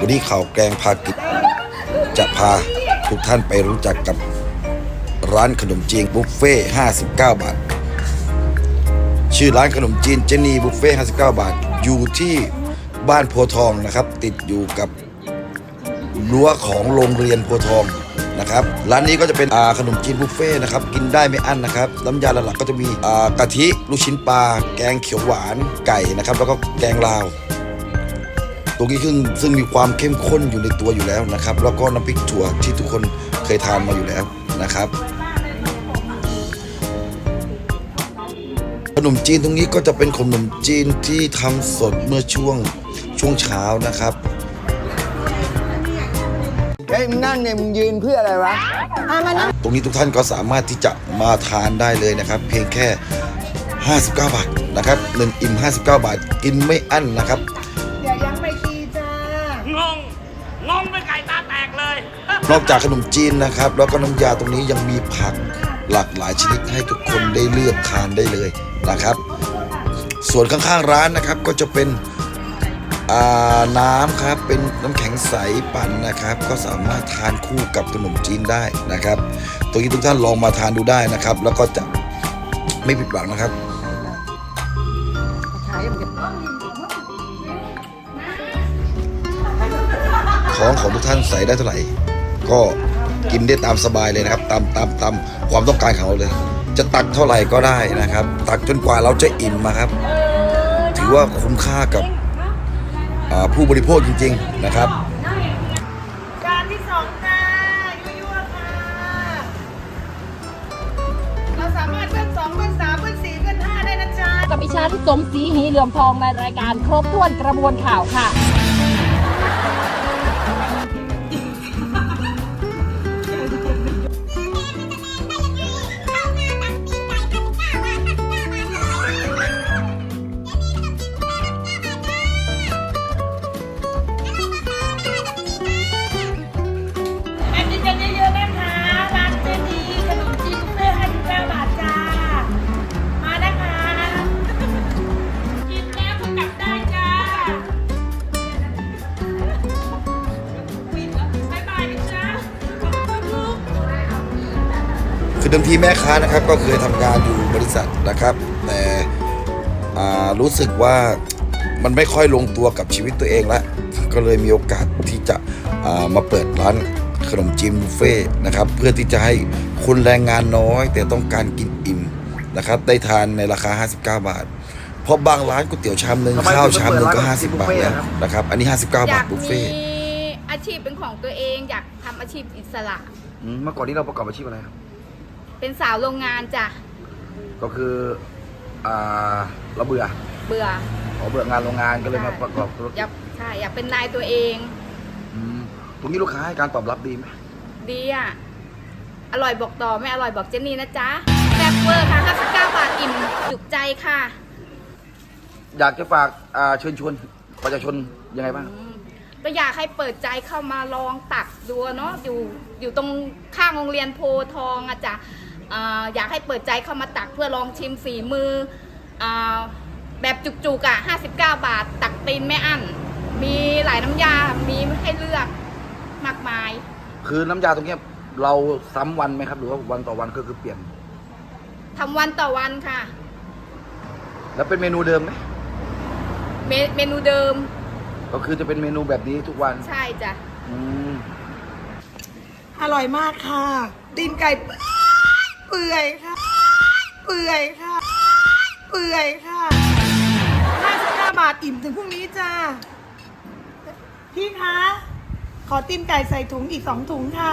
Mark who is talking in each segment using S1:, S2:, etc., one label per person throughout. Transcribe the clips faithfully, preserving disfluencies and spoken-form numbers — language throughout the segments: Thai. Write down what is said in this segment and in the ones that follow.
S1: วันนี้ข่าวแกงพากิจจะพาทุกท่านไปรู้จักกับร้านขนมจีนบุฟเฟ่ห้าสิบเก้าบาทชื่อร้านขนมจีนเจนีบุฟเฟ่ห้าสิบเก้าบาทอยู่ที่บ้านโพทองนะครับติดอยู่กับรั้วของโรงเรียนโพทองนะครับร้านนี้ก็จะเป็นขนมจีนบุฟเฟ่นะครับกินได้ไม่อั้นนะครับน้ำยาหลักๆก็จะมีกะทิลูกชิ้นปลาแกงเขียวหวานไก่นะครับแล้วก็แกงลาวตรงนี้ซึ่งซึ่งมีความเข้มข้นอยู่ในตัวอยู่แล้วนะครับแล้วก็น้ำพริกถั่วที่ทุกคนเคยทานมาอยู่แล้วนะครับขนมจีนตรงนี้ก็จะเป็นขนมจีนที่ทำสดเมื่อช่วงช่วงเช้านะครับ
S2: เฮ้ยมึงนั่งเนี่ยมึงยืนเพื่ออะไรวะ
S1: ตรงนี้ทุกท่านก็สามารถที่จะมาทานได้เลยนะครับเพียงแค่ห้าสิบเก้าบาทนะครับหนึ่งอิ่มห้าสิบเก้าบาทกินไม่อั้นนะครับ
S3: อย่ายังไม่ตีจ้าง
S4: งงงไปไก่ตาแตกเลย
S1: นอกจากขนมจีนนะครับแล้วก็น้ำยาตรงนี้ยังมีผักหลากหลายชนิดให้ทุกคนได้เลือกทานได้เลยนะครับส่วนข้างๆร้านนะครับก็จะเป็นน้ำครับเป็นน้ำแข็งใสปั่นนะครับก็สามารถทานคู่กับขนมจีนได้นะครับตรงนี้ทุกท่านลองมาทานดูได้นะครับแล้วก็จะไม่ผิดหวังนะครับของของทุกท่านใส่ได้เท่าไหร่ก็กินได้ตามสบายเลยนะครับตามตามตามความต้องการของเราเลยจะตักเท่าไหร่ก็ได้นะครับตักจนกว่าเราจะอิ่มนะครับถือว่าคุ้มค่ากับผู้บริโภคจริงๆนะครับ
S3: จานที่สองค่ะยั่วๆค่ะเราสามารถเพิ่มสองเพิ่มสามเพิ่มสี่เพิ่มห้าได้นะจ๊ะ
S5: กับดิฉันสมศรีหีเหลือมทองในรายการครบถ้วนกระบวนข่าวค่ะ
S1: คือเดิมทีแม่ค้านะครับก็เคยทำงานอยู่บริษัทนะครับแต่รู้สึกว่ามันไม่ค่อยลงตัวกับชีวิตตัวเองแล้วก็เลยมีโอกาสที่จะมาเปิดร้านขนมจีนบุฟเฟ่นะครับเพื่อที่จะให้คนแรงงานน้อยแต่ต้องการกินอิ่มนะครับได้ทานในราคาห้าสิบเก้าบาทเพราะบางร้านก๋วยเตี๋ยวชามนึงข้าวชามนึงก็ห้าสิบบาทแล้วนะครับอันนี้ห้าสิบเก้าบาทบุฟเฟ่
S6: อยากมีอาชีพเป็นของตัวเองอยากทำอาชีพอิสระ
S1: เมื่อก่อนนี้เราประกอบอาชีพอะไรครับ
S6: เป็นสาวโรงงานจ้ะ
S1: ก็คืออ่าเราเบื่อ
S6: เบื่อ
S1: ขอเบื่องานโรงงานก็เลยมาประกอบธุรกิจ
S6: อยากใช่อยากเป็นนายตัวเอง
S1: ตรงนี้ลูกค้าให้การตอบรับดีไหม
S6: ดีอ่ะอร่อยบอกต่อไม่อร่อยบอกเจนนี่นะจ๊ะแซ่บเวอร์ค่ะห้าสิบเก้าบาทอิ่มจุกใจค่ะ
S1: อยากจะฝากเชิญชวนประชาชนยังไงบ้าง
S6: ก็อยากให้เปิดใจเข้ามาลองตักดูเนาะอยู่อยู่ตรงข้างโรงเรียนโพทองอะจ้ะอยากให้เปิดใจเข้ามาตักเพื่อลองชิมฝีมือแบบจุกๆอ่ะห้าสิบเก้าบาทตักตีนไม่อั้นมีหลายน้ำยามีให้เลือกมากมาย
S1: คือน้ำยาตรงนี้เราซ้ำวันไหมครับหรือว่าวันต่อวันก็คือเปลี่ยน
S6: ทำวันต่อวันค่ะ
S1: แล้วเป็นเมนูเดิมไหม
S6: เมเมนูเดิม
S1: ก็คือจะเป็นเมนูแบบนี้ทุกวัน
S6: ใช่จ้ะ
S3: อร่อยมากค่ะตีนไก่เปื่อยค่ะเปื่อยค่ะเปื่อยค่ะห้าสิบห้าบาทอิ่มถึงพรุ่งนี้จ้าพี่คะขอตีนไก่ใส่ถุงอีกสองถุงค่ะ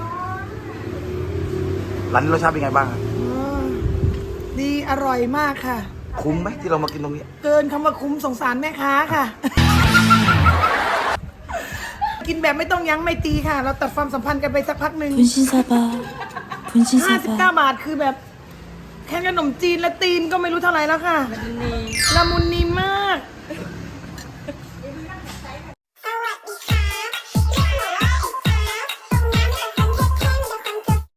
S1: ร้านนี้รสชาติเป็นไงบ้าง
S3: ดีอร่อยมากค่ะ
S1: คุ้มไหมที่เรามากินตรงนี้
S3: เกินคำว่าคุ้มสงสารแม่ค้าค่ะกินแบบไม่ต้องยั้งไม่ตีค่ะเราตัดความสัมพันธ์กันไปสักพักหนึ่งห้าสิบเก้าบาทคือแบบแค่ขนมจีนและตีนก็ไม่รู้เท่าไหร่แล้วค่ะละมุนนีมาก